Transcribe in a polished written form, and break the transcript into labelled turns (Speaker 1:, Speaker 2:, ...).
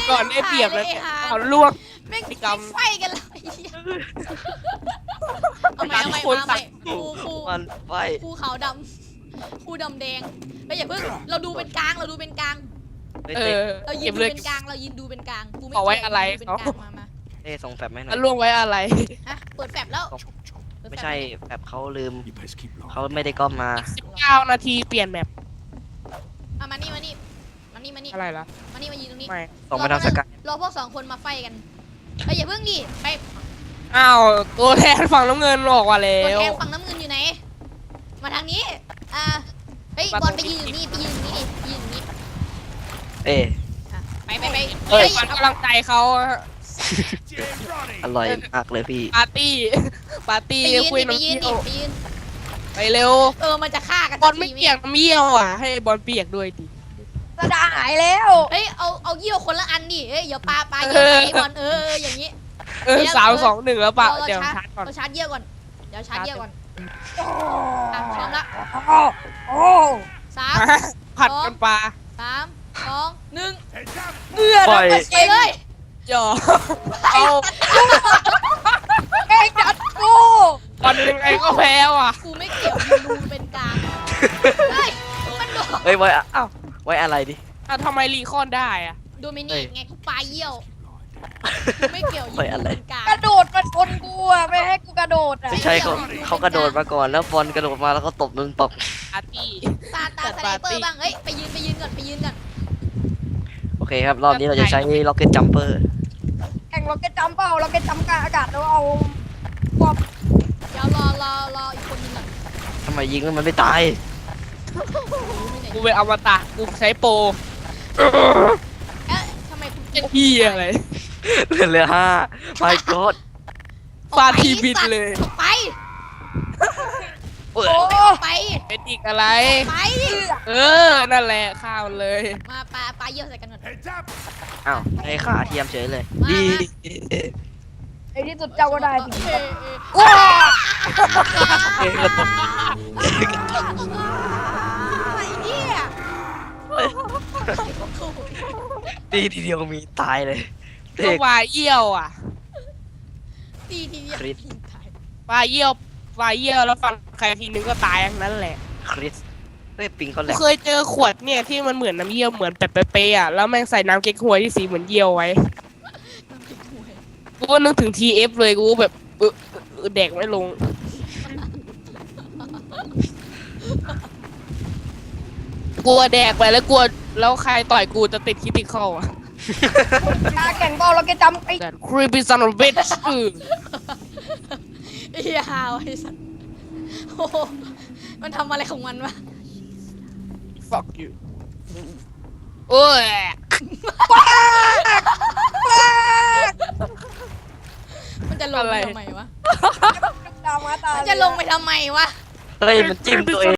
Speaker 1: ก่อนได้เปรียบแล้วเนี่ยเอาล่วง
Speaker 2: แม่ง
Speaker 1: ไอ้กำ
Speaker 2: ไฟกันเลยเอาใหม่เอาใหม่
Speaker 1: คน
Speaker 2: เอาใหม่ ครู
Speaker 3: มันไฟ
Speaker 2: ครูขาวดำครูดำแดงไม่อย่าเพิ่งเราดูเป็นกลางเราดูเป็นกลาง
Speaker 1: เออ
Speaker 2: เรายื
Speaker 1: เก็
Speaker 2: น
Speaker 1: บ
Speaker 2: ดู
Speaker 1: เลย
Speaker 2: เป็นกลางเรายืนดูเป็นกลางกูไม่
Speaker 1: เอาไว้
Speaker 2: เกี่ยว
Speaker 1: อะไร
Speaker 2: ดูเป็นกลาง
Speaker 1: เขา
Speaker 2: มา
Speaker 3: ส่งแฟบไหมหน่
Speaker 1: แล้
Speaker 3: อ
Speaker 1: วย ล่วงไว้อะไร
Speaker 2: ฮะเปิดแฟลชแล้ว
Speaker 3: ไม่ใช่แฟบเขาลืม
Speaker 4: You best keep low.
Speaker 3: เขาไม่ได้ก๊อปมา
Speaker 1: 19 นาทีเปลี่ยนแมป
Speaker 2: เอามานี่มานี่มานี่มานี่
Speaker 1: อะไรล่ะ
Speaker 2: มานี่มายืนตรงนี้
Speaker 1: ไม่
Speaker 3: ส่งไปทางสกาย
Speaker 2: รอพวกสองคนมาไฟกันเอ้ยอย่าเพิ่งดิไป
Speaker 1: อ้าวตัวแทนฝั่งน้ำเงินบอกว่าแล้
Speaker 2: ตัว
Speaker 1: ว
Speaker 2: แทนฝั่งน้ำเงินอยู่ไหนมาทางนี้เฮ้ย
Speaker 1: มา
Speaker 2: บอล
Speaker 1: ต
Speaker 2: ไป
Speaker 1: รงนี้
Speaker 2: ยืนอยู่นี่ไปยืนอยู่นี่ดิไปยืนอยู่นี่
Speaker 3: เอ๊ะ
Speaker 2: อ่ะไป
Speaker 1: เอ้ย
Speaker 2: เฮ้ย
Speaker 1: มันกำลังใจเขาอะ
Speaker 3: อร่อยมากเลยพี่
Speaker 1: ปาร์ตี้ ปาร์ตี้
Speaker 2: ไปยืน
Speaker 1: คุย
Speaker 2: ดิไป
Speaker 1: น้ำ
Speaker 2: ยื
Speaker 1: เยี่
Speaker 2: น
Speaker 1: ยว
Speaker 2: ดิไปยืน
Speaker 1: ไปเร็ว
Speaker 2: มันจะฆ่ากัน
Speaker 1: บอลไม่
Speaker 2: สัที
Speaker 1: เปียกน้ำเยี่ยวอ่ะ ให้บอลเปียกด้วยดิ
Speaker 5: กระดาษหายแล้ว
Speaker 2: เฮ้ยเอาเยี่ยวคนละอันดิเฮ้ยอย่าปาเยี่ยว
Speaker 1: เออ
Speaker 2: ใส่บอลอย่างนี้
Speaker 1: 3-2-1แล้วปะเดี๋ยว
Speaker 2: เรา
Speaker 1: ชาร์จก่อน
Speaker 2: เราชาร์จเยี่ยวก่อนเดี๋ยวชาร์จเยี่ยวก่อนอ่ะพร้อมละ
Speaker 5: โอ้
Speaker 2: สาม
Speaker 1: ผัดกันปลา
Speaker 2: 3 2 1
Speaker 5: เมื่อ
Speaker 3: ปล่
Speaker 5: เรา
Speaker 3: อย
Speaker 5: ไป
Speaker 2: ไปเลย
Speaker 1: หยอเอา
Speaker 5: เองจัดกู
Speaker 1: บอลยังไงก็แพ้ว่ะ
Speaker 2: กูไม่เกี่ยวดูเป็นกลางเฮ้ยมันโดน
Speaker 3: เฮ้ยไว้อ้าวไว้อะไรดิ
Speaker 1: อ่ะทำไมรีคอนได้อ่ะ
Speaker 2: โดมินิกไงกูปาเยี่ยวกูไม่เกี่ยวยื
Speaker 3: ไว้
Speaker 2: น
Speaker 3: อะไร
Speaker 2: ดูเป็นกลาง
Speaker 5: กระโดดมาชนกูอ่ะไม่ให้กูกระโดดอ่ะ
Speaker 3: ไม่ใช่เขากระโดดมาก่อนแล้วบอลกระโดดมาแล้วก็ตบนึงตบ
Speaker 1: ปาร์ตี้
Speaker 2: ตาสไนเปอร์บ้างเฮ้ยไปยืนก่อน
Speaker 3: โอเคครับ รอบนี้เราจะใช้ Rocket Jumper
Speaker 5: แข่งเราเก็ตจัมเปล่าเราเก็ตจัมกลางอากาศแล้วเอาความ
Speaker 2: เดี๋ยวรออีกคนนึงก่อน
Speaker 3: ทำไมยิงแล้วมันไม่ตาย
Speaker 1: กูเป็นอมตะกูใช้โปร
Speaker 2: เอ๊ะทำไมคุณ
Speaker 1: เป็นพี่อะไร
Speaker 3: เหลือ5 My God
Speaker 1: ฟาดทีบิดเลย
Speaker 2: ไป
Speaker 3: เอ้ย
Speaker 5: โอ้
Speaker 2: ไป
Speaker 1: เป็นอีกอะไร
Speaker 2: ไป
Speaker 1: เออ นั่นแหละข้าวเลย
Speaker 2: มาปาเยี่ยวใส่กันก่อน
Speaker 3: อ้าวให้ขาเทียมเฉยเลย
Speaker 2: มา
Speaker 3: ดี
Speaker 5: ไอ้ที่สุดเจ้าก็ได้สิ
Speaker 2: เอ้ย
Speaker 3: เอ้ยกระตก
Speaker 2: ไอ้เหี้ย
Speaker 3: ดีทีเดียวมีตายเลยเด็
Speaker 1: ก็
Speaker 3: ก
Speaker 1: วายเยี่ยวอ่ะ
Speaker 2: ตีทีเดียว
Speaker 3: คริส
Speaker 2: ตาย
Speaker 1: วายเยี่ยวแล้วฟันใครทีนึงก็ตายทั้งนั้นแหละ
Speaker 3: คริสเฮ้ยปิงเขาแหล
Speaker 1: กู
Speaker 3: ก
Speaker 1: เคยเจอขวดเนี่ยที่มันเหมือนน้ำเยี่ยวเหมือนแบบเป๊ะๆอ่ะแล้วแม่งใส่น้ำเก๊กฮวยที่สีเหมือนเยี่ยวไว้
Speaker 2: น้ำพริกหวย
Speaker 1: กูก็นึกถึง TF เลยกูแบบแดกไม่ลงกลัวแดกไปแล้วกลัวแล้วใครต่อยกูจะติดคิติคอลอ่ะ
Speaker 5: แข่งเปล่าเราเก็ตจัมไอ้
Speaker 1: แต่ creepy son of a bitch
Speaker 2: ไอ้เหี้ยฮาวไอ้สัสโอ้โหมันทำอะไรของมันวะ
Speaker 1: fuck you โอ้ย
Speaker 2: มันจะลงไปทำไมวะ
Speaker 5: ดาวมาตา
Speaker 2: มันจะลงไปทำไมวะ
Speaker 3: เฮ้ยมันจิ้มตัวเอง